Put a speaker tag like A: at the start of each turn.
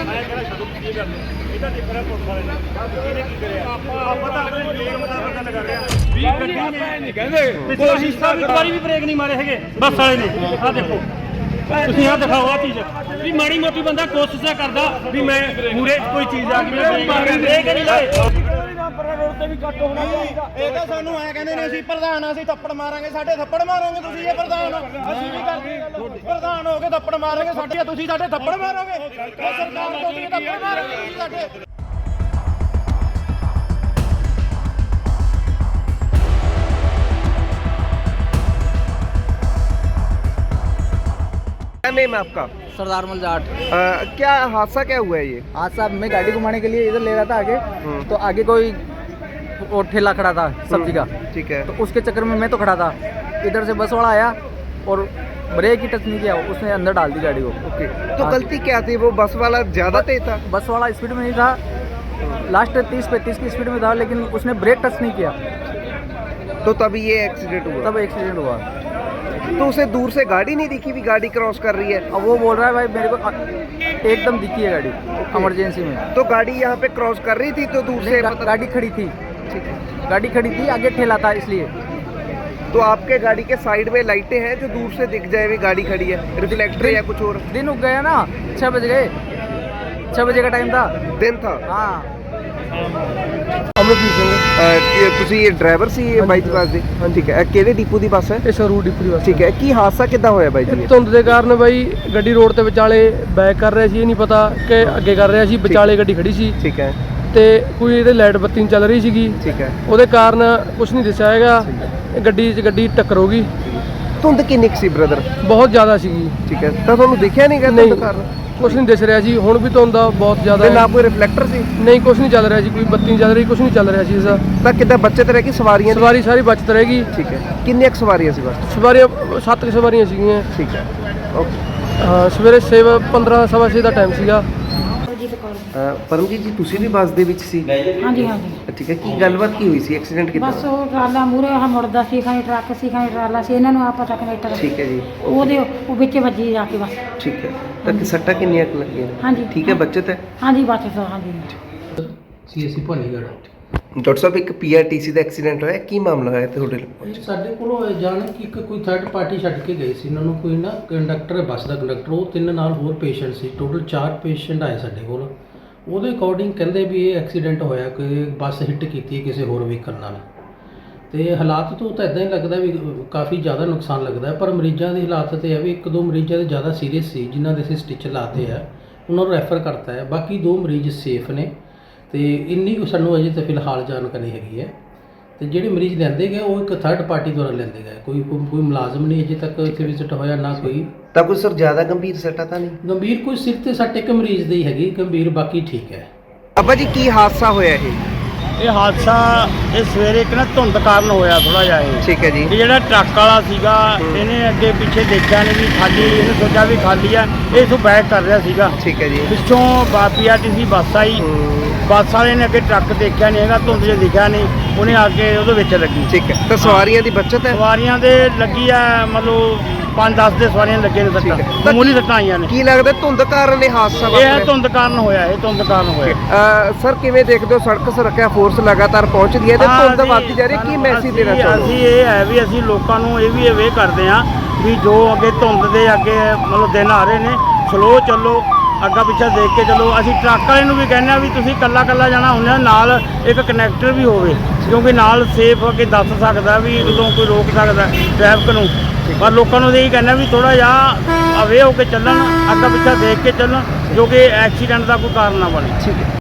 A: भी ब्रेक नहीं मारे है बस वाले ने। आ देखो ਤੁਸੀਂ ਆ ਦਿਖਾਓ ਆ ਚੀਜ਼ ਵੀ ਮਾੜੀ ਮੋਟੀ ਬੰਦਾ ਕੋਸ਼ਿਸ਼ ਕਰਦਾ ਵੀ ਮੈਂ ਮੂਰੇ ਕੋਈ ਚੀਜ਼ ਆ ਗਈ ਮੈਂ ਬ੍ਰੇਕ ਨਹੀਂ ਲਾਏ ਰੋਡ ਤੇ ਵੀ ਕੱਟ ਹੋਣਾ ਚਾਹੀਦਾ।
B: ਇਹ ਤਾਂ ਸਾਨੂੰ ਐ ਕਹਿੰਦੇ ਨੇ ਅਸੀਂ ਪ੍ਰਧਾਨ ਅਸੀਂ ਥੱਪੜ ਮਾਰਾਂਗੇ, ਸਾਡੇ ਥੱਪੜ ਮਾਰੋਗੇ ਤੁਸੀਂ। ਇਹ ਪ੍ਰਧਾਨ ਅਸੀਂ ਵੀ ਕਰਦੇ ਪ੍ਰਧਾਨ ਹੋ ਕੇ ਥੱਪੜ ਮਾਰਾਂਗੇ ਸਾਡੇ, ਤੁਸੀਂ ਸਾਡੇ ਥੱਪੜ ਮਾਰੋਗੇ। ਸਰਕਾਰ ਤੋਂ ਤੁਸੀਂ ਥੱਪੜ ਮਾਰੋਗੇ ਤੁਸੀਂ ਸਾਡੇ।
C: क्या नेम है आपका?
D: सरदार मल जाट।
C: क्या हादसा क्या हुआ है ये?
D: हादसा मैं गाड़ी घुमाने के लिए इधर ले रहा था आगे, तो आगे कोई और ठेला खड़ा था सब्जी का,
C: ठीक है।
D: तो उसके चक्कर में मैं तो खड़ा था, इधर से बस वाला आया और ब्रेक ही टच नहीं किया, उसने अंदर डाल दी गाड़ी को।
C: ओके, तो गलती क्या थी? वो बस वाला ज्यादा तेज था?
D: बस वाला स्पीड में नहीं था, लास्ट 30-35 की स्पीड में था, लेकिन उसने ब्रेक टच नहीं किया,
C: तो तभी ये एक्सीडेंट हुआ।
D: तब एक्सीडेंट हुआ।
C: तो उसे दूर से गाड़ी नहीं दिखी भी गाड़ी क्रॉस कर रही है?
D: अब वो बोल रहा है भाई मेरे को एकदम दिखी है गाड़ी इमरजेंसी में।
C: तो गाड़ी यहाँ पे क्रॉस कर रही थी तो दूर से
D: गाड़ी खड़ी थी,
C: ठीक है,
D: गाड़ी खड़ी थी, आगे ठेला था इसलिए।
C: तो आपके गाड़ी के साइड में लाइटें हैं जो दूर से दिख जाए भी गाड़ी खड़ी है, रिफ्लेक्टर या कुछ और?
D: दिन उग गया ना, 6 बज गए, 6 बजे का टाइम था,
C: दिन था।
D: हाँ।
C: ਅਮਰਜੀਤ ਸਿੰਘ ਤੁਸੀਂ ਡਰਾਈਵਰ ਸੀ ਬਾਈ ਦੀ ਬੱਸ ਦੇ? ਠੀਕ ਹੈ। ਕਿਹੜੇ ਡਿਪੂ ਦੀ ਬੱਸ ਹੈ?
E: ਇਹ ਸਰੂਰ ਡਿਪੂ ਦੀ ਬੱਸ।
C: ਠੀਕ ਹੈ। ਕੀ ਹਾਦਸਾ ਕਿੱਦਾਂ ਹੋਇਆ ਬਾਈ ਜੀ?
E: ਧੁੰਦ ਦੇ ਕਾਰਨ ਬਾਈ ਗੱਡੀ ਰੋਡ ਤੇ ਵਿਚਾਲੇ ਬੈਕ ਕਰ ਰਿਹਾ ਸੀ, ਇਹ ਨਹੀਂ ਪਤਾ ਕਿ ਅੱਗੇ ਕਰ ਰਿਹਾ ਸੀ, ਵਿਚਾਲੇ ਗੱਡੀ ਖੜੀ ਸੀ।
C: ਠੀਕ ਹੈ।
E: ਤੇ ਕੋਈ ਇਹਦੇ ਲਾਈਟ ਬੱਤੀ ਨਹੀਂ ਚੱਲ ਰਹੀ ਸੀਗੀ,
C: ਠੀਕ ਹੈ।
E: ਉਹਦੇ ਕਾਰਨ ਕੁਝ ਨਹੀਂ ਦਿਸਿਆ ਹੈਗਾ, ਗੱਡੀ ਟੱਕਰ ਹੋ ਗਈ।
C: ਧੁੰਦ ਕਿੰਨੀ ਕੁ ਸੀ ਬ੍ਰਦਰ?
E: ਬਹੁਤ ਜ਼ਿਆਦਾ ਸੀਗੀ।
C: ਠੀਕ ਹੈ। ਤਾਂ ਤੁਹਾਨੂੰ ਦਿਖਿਆ ਨਹੀਂ
E: ਨਹੀਂ,
C: ਧੁੰਦ ਕਾਰਨ?
E: ਕੁਝ ਨਹੀਂ ਦਿਸ ਰਿਹਾ ਸੀ। ਹੁਣ ਵੀ ਧੁੰਦ ਬਹੁਤ ਜ਼ਿਆਦਾ
C: ਨਾ ਕੋਈ ਰਿਫਲੈਕਟਰ ਸੀ?
E: ਨਹੀਂ, ਕੁਝ ਨਹੀਂ ਚੱਲ ਰਿਹਾ ਸੀ, ਕੋਈ ਬੱਤੀ ਨਹੀਂ ਚੱਲ ਰਹੀ, ਕੁਝ ਨਹੀਂ ਚੱਲ ਰਿਹਾ ਸੀ ਇਸਦਾ।
C: ਤਾਂ ਕਿੱਦਾਂ ਬੱਚਤ ਰਹਿ ਗਈ ਸਵਾਰੀਆਂ ਦੀ?
E: ਸਵਾਰੀ ਸਾਰੀ ਬਚਤ ਰਹੇਗੀ।
C: ਠੀਕ ਹੈ। ਕਿੰਨੀਆਂ ਕੁ ਸਵਾਰੀਆਂ ਸੀ ਬੱਸ?
E: ਸਵਾਰੀਆਂ 7 ਸਵਾਰੀਆਂ ਸੀਗੀਆਂ।
C: ਠੀਕ ਹੈ। ਓਕੇ।
E: ਹਾਂ, ਸਵੇਰੇ 15:15 ਦਾ ਟਾਈਮ ਸੀਗਾ।
C: ਪਰਮਜੀਤ ਜੀ ਤੁਸੀਂ ਵੀ ਬੱਸ ਦੇ ਵਿੱਚ ਸੀ?
F: ਹਾਂਜੀ ਹਾਂਜੀ।
C: ਠੀਕ ਹੈ। ਕੀ ਗੱਲਬਾਤ ਕੀ ਹੋਈ ਸੀ? ਐਕਸੀਡੈਂਟ ਕਿੱਦਾਂ?
F: ਬਸ ਉਹ ਟਰਾਲਾ ਮੂਰੇ ਆ ਮੁੜਦਾ ਸੀ, ਖਾਣੀ ਟਰੱਕ ਸੀ, ਖਾਣੀ ਟਰਾਲਾ ਸੀ, ਇਹਨਾਂ ਨੂੰ ਆ ਪਤਾ ਕਨੈਕਟਰ।
C: ਠੀਕ ਹੈ ਜੀ।
F: ਉਹਦੇ ਉਹ ਵਿੱਚ ਵੱਜੀ ਜਾ ਕੇ ਬਸ।
C: ਠੀਕ ਹੈ। ਤਾਂ ਕਿ ਸੱਟਾਂ ਕਿੰਨੀਆਂ ਕੁ ਲੱਗੀਆਂ?
F: ਹਾਂਜੀ।
C: ਠੀਕ ਹੈ। ਬੱਚਤ ਹੈ?
F: ਹਾਂਜੀ ਬਸ ਹਾਂਜੀ।
E: ਸੀਐਸਸੀ ਭਾਨੀਗੜ੍ਹ।
C: ਡਾਕਟਰ ਸਾਹਿਬ ਇੱਕ ਪੀਆਰਟੀਸੀ ਦਾ ਐਕਸੀਡੈਂਟ ਹੋਇਆ, ਕੀ ਮਾਮਲਾ ਹੋਇਆ ਤੁਹਾਡੇ ਨਾਲ?
G: ਸਾਡੇ ਕੋਲੋਂ ਇਹ ਜਾਣ ਕਿ ਇੱਕ ਕੋਈ ਥਰਡ ਪਾਰਟੀ ਛੱਡ ਕੇ ਗਏ ਸੀ ਇਹਨਾਂ ਨੂੰ, ਕੋਈ ਨਾ ਕੰਡਕਟਰ ਹੈ ਬੱਸ ਦਾ ਕੰਡਕਟਰ, ਉਹ 3 ਨਾਲ ਹੋਰ ਪੇਸ਼ੈਂਟ ਸੀ, ਟੋਟਲ 4 ਪੇਸ਼ੈਂਟ ਆਏ ਸਾਡੇ ਕੋਲ। ਉਹਦੇ ਅਕੋਰਡਿੰਗ ਕਹਿੰਦੇ ਵੀ ਇਹ ਐਕਸੀਡੈਂਟ ਹੋਇਆ ਕਿ ਬੱਸ ਹਿੱਟ ਕੀਤੀ ਹੈ ਕਿਸੇ ਹੋਰ ਵਹੀਕਲ ਨਾਲ। ਤੇ ਹਾਲਾਤ ਤੋਂ ਤਾਂ ਇਦਾਂ ਹੀ ਲੱਗਦਾ ਵੀ ਕਾਫੀ ਜ਼ਿਆਦਾ ਨੁਕਸਾਨ ਲੱਗਦਾ, ਪਰ ਮਰੀਜ਼ਾਂ ਦੀ ਹਾਲਾਤ ਤੇ ਹੈ ਵੀ 1-2 ਮਰੀਜ਼ਾਂ ਦੇ ਜ਼ਿਆਦਾ ਸੀਰੀਅਸ ਸੀ, ਜਿਨ੍ਹਾਂ ਦੇ ਅਸੀਂ ਸਟਿਚ ਲਾਤੇ ਆ, ਉਹਨਾਂ ਨੂੰ ਰੈਫਰ ਕਰਤਾ ਹੈ। ਬਾਕੀ 2 ਮਰੀਜ਼ ਸੇਫ ਨੇ ਤੇ ਇੰਨੀ ਕੁ ਸਾਨੂੰ ਅਜੇ ਤਾਂ ਫਿਲਹਾਲ ਜਾਣਕਾਰੀ ਹੈਗੀ ਹੈ। ਤੇ ਜਿਹੜੇ ਮਰੀਜ਼ ਲੈਂਦੇ ਗਏ ਉਹ ਇੱਕ ਥਰਡ ਪਾਰਟੀ ਦੁਆਰਾ ਲੈਂਦੇ ਗਏ, ਕੋਈ ਮੁਲਾਜ਼ਮ ਨਹੀਂ ਅਜੇ ਤੱਕ ਇੱਥੇ ਵਿਜ਼ਿਟ ਹੋਇਆ ਨਾ ਕੋਈ।
C: ਤਾਂ ਕੋਈ ਸਰ ਜ਼ਿਆਦਾ ਗੰਭੀਰ ਸੱਟਾਂ ਤਾਂ ਨਹੀਂ?
G: ਗੰਭੀਰ ਕੋਈ ਸਿਰ ਤੇ ਸੱਟ ਇੱਕ ਮਰੀਜ਼ ਦੀ ਹੈਗੀ, ਗੰਭੀਰ ਬਾਕੀ ਠੀਕ ਹੈ।
C: ਅੱਬਾ ਜੀ ਕੀ ਹਾਦਸਾ ਹੋਇਆ
A: ਇਹ ਹਾਦਸਾ ਇਹ ਸਵੇਰੇ ਇੱਕ ਨਾ ਧੁੰਦ ਕਾਰਨ ਹੋਇਆ ਥੋੜਾ ਜਿਹਾ ਇਹ।
C: ਠੀਕ ਹੈ ਜੀ।
A: ਇਹ ਜਿਹੜਾ ਟਰੱਕ ਵਾਲਾ ਸੀਗਾ ਇਹਨੇ ਅੱਗੇ ਪਿੱਛੇ ਦੇਖਿਆ ਨਹੀਂ ਵੀ ਖਾਲੀ, ਇਹਨੇ ਸੋਚਿਆ ਵੀ ਖਾਲੀ ਆ, ਇਹ ਤੋਂ ਬੈਕ ਕਰ ਰਿਹਾ ਸੀਗਾ।
C: ਠੀਕ ਹੈ ਜੀ।
A: ਪਿੱਛੋਂ ਪੀਆਰਟੀਸੀ ਬੱਸ ਆਈ, ਬੱਸ ਵਾਲੇ ਨੇ ਅੱਗੇ ਟਰੱਕ ਦੇਖਿਆ ਨਹੀਂ ਹੈਗਾ, ਧੁੰਦ 'ਚ ਦਿਖਿਆ ਨਹੀਂ, ਉਹਨੇ ਆ ਕੇ ਉਹਦੇ ਵਿੱਚ ਲੱਗੀ।
C: ਠੀਕ ਹੈ। ਤਾਂ ਸਵਾਰੀਆਂ ਦੀ ਬੱਚਤ ਹੈ?
A: ਸਵਾਰੀਆਂ ਦੇ ਲੱਗੀ ਆ ਮਤਲਬ 5-10 ਦੇ ਸਵਾਰੀਆਂ ਲੱਗੇ ਨੇ ਸੱਟਾਂ, ਮਾਮੂਲੀ ਸੱਟਾਂ ਆਈਆਂ ਨੇ।
C: ਕੀ ਲੱਗਦਾ ਧੁੰਦ ਕਾਰਨ ਇਹ ਹਾਦਸਾ ਵਾਪਰਿਆ?
A: ਇਹ ਧੁੰਦ ਕਾਰਨ ਹੋਇਆ, ਇਹ ਧੁੰਦ ਕਾਰਨ ਹੋਇਆ।
C: ਸਰ ਕਿਵੇਂ ਦੇਖਦੇ ਹੋ ਸੜਕ ਸੁਰੱਖਿਆ ਫੋਰਸ ਲਗਾਤਾਰ ਪਹੁੰਚਦੀ ਹੈ ਤੇ ਧੁੰਦ ਵੱਧਦੀ ਜਾ ਰਹੀ ਹੈ, ਕੀ ਮੈਸੇਜ ਦੇਣਾ ਚਾਹੁੰਦੇ ਹੋ?
A: ਅਸੀਂ ਇਹ ਹੈ ਵੀ ਅਸੀਂ ਲੋਕਾਂ ਨੂੰ ਇਹ ਵੀ ਅਵੇਅਰ ਕਰਦੇ ਹਾਂ ਵੀ ਜੋ ਅੱਗੇ ਧੁੰਦ ਦੇ ਅੱਗੇ ਮਤਲਬ ਦਿਨ ਆ ਰਹੇ ਨੇ, ਸਲੋ ਚੱਲੋ, ਅੱਗਾ ਪਿੱਛਾ ਦੇਖ ਕੇ ਚੱਲੋ। ਅਸੀਂ ਟਰੱਕ ਵਾਲੇ ਨੂੰ ਵੀ ਕਹਿੰਦੇ ਹਾਂ ਵੀ ਤੁਸੀਂ ਕੱਲਾ ਜਾਣਾ ਹੁੰਦਾ, ਨਾਲ ਇੱਕ ਕਨੈਕਟਰ ਵੀ ਹੋਵੇ, ਕਿਉਂਕਿ ਨਾਲ ਸੇਫ ਅੱਗੇ ਦੱਸ ਸਕਦਾ ਵੀ ਉਦੋਂ ਕੋਈ ਰੋਕ ਸਕਦਾ ਟ੍ਰੈਫਿਕ ਨੂੰ। ਪਰ ਲੋਕਾਂ ਨੂੰ ਇਹ ਕਹਿੰਦਾ ਵੀ ਥੋੜ੍ਹਾ ਜਿਹਾ ਅਵੇਅਰ ਹੋ ਕੇ ਚੱਲਣ, ਅੱਗਾ ਪਿੱਛਾ ਦੇਖ ਕੇ ਚੱਲਣ, ਜੋ ਕਿ ਐਕਸੀਡੈਂਟ ਦਾ ਕੋਈ ਕਾਰਨ ਨਾ ਬਣੇ।
C: ਠੀਕ ਹੈ।